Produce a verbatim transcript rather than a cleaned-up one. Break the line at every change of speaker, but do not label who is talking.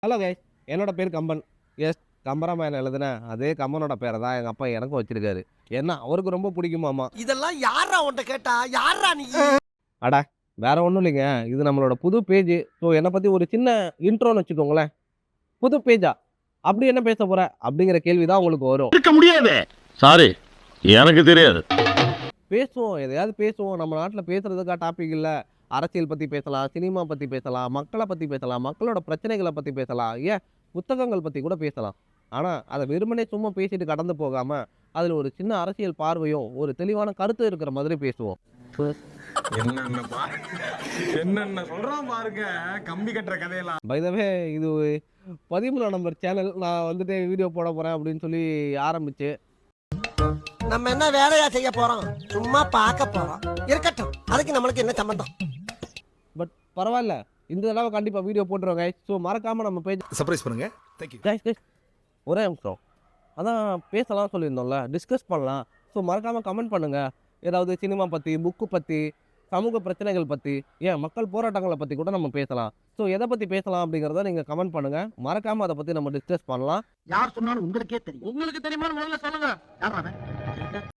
Hello guys, என்னோட பேர் Kamban. S, Kambaramayanam எழுதுன அதே கம்பனோட பேரை தான் எங்கள் அப்பா எனக்கும் வச்சிருக்காரு. ஏன்னா அவருக்கு ரொம்ப பிடிக்குமாமா.
இதெல்லாம் யாரா உன்ட்ட கேட்டா? யாரா நீ?
அட வேற ஒன்றும் இல்லைங்க, இது நம்மளோட புது பேஜ். ஸோ என்னை பற்றி ஒரு சின்ன இன்ட்ரோன்னு வச்சுக்கோங்களேன். புது பேஜா அப்படி என்ன பேச போற அப்படிங்கிற கேள்வி தான் உங்களுக்கு வரும்.
இருக்க முடியாது. சாரி, எனக்கு தெரியாது.
பேசுவோம், எதையாவது பேசுவோம். நம்ம நாட்டில் பேசுறதுக்கா டாபிக் இல்லை. அரசியல் பற்றி பேசலாம், சினிமா பற்றி பேசலாம், மக்களை பற்றி பேசலாம், மக்களோட பிரச்சனைகளை பற்றி பேசலாம், ஏன் புத்தகங்கள் பற்றி கூட பேசலாம். ஆனால் அதை வெறுமனே சும்மா பேசிட்டு கடந்து போகாமல் அதில் ஒரு சின்ன அரசியல் பார்வையும் ஒரு தெளிவான கருத்து இருக்கிற மாதிரி பேசுவோம்.
என்னென்ன பாருங்க, என்னென்ன சொல்றான் பாருங்க, கம்பி கட்டுற கதையெல்லாம்.
பை த வே, இது பதிமூணாம் நம்பர் சேனல். நான் வந்துட்டு வீடியோ போட போகிறேன் அப்படின்னு சொல்லி ஆரம்பிச்சு
நம்ம என்ன வேலையா செய்ய போறோம்? சும்மா பார்க்க போறோம். இருக்கட்டும், அதுக்கு நம்மளுக்கு என்ன சம்பந்தம்?
பட் பரவாயில்ல, இந்த தடவை கண்டிப்பாக வீடியோ போட்டுருவோம் கைஸ். ஸோ மறக்காமல் நம்ம பேஜ்
சர்ப்ரைஸ் பண்ணுங்க. தேங்க்யூ
கைஸ் கைஸ் ஒரே நிமிஷம். அதான் பேசலாம் சொல்லியிருந்தோம்ல, டிஸ்கஸ் பண்ணலாம். ஸோ மறக்காமல் கமெண்ட் பண்ணுங்கள். ஏதாவது சினிமா பற்றி, புக்கு பற்றி, சமூக பிரச்சனைகள் பற்றி, ஏன் மக்கள் போராட்டங்களை பற்றி கூட நம்ம பேசலாம். ஸோ எதை பற்றி பேசலாம் அப்படிங்கிறத நீங்கள் கமெண்ட் பண்ணுங்கள். மறக்காமல் அதை பற்றி நம்ம டிஸ்கஸ் பண்ணலாம்.
யார் சொன்னாலும் உங்களுக்கே தெரியும். உங்களுக்கு தெரியுமா? முதல்ல சொல்லுங்க. யாரா அவன்?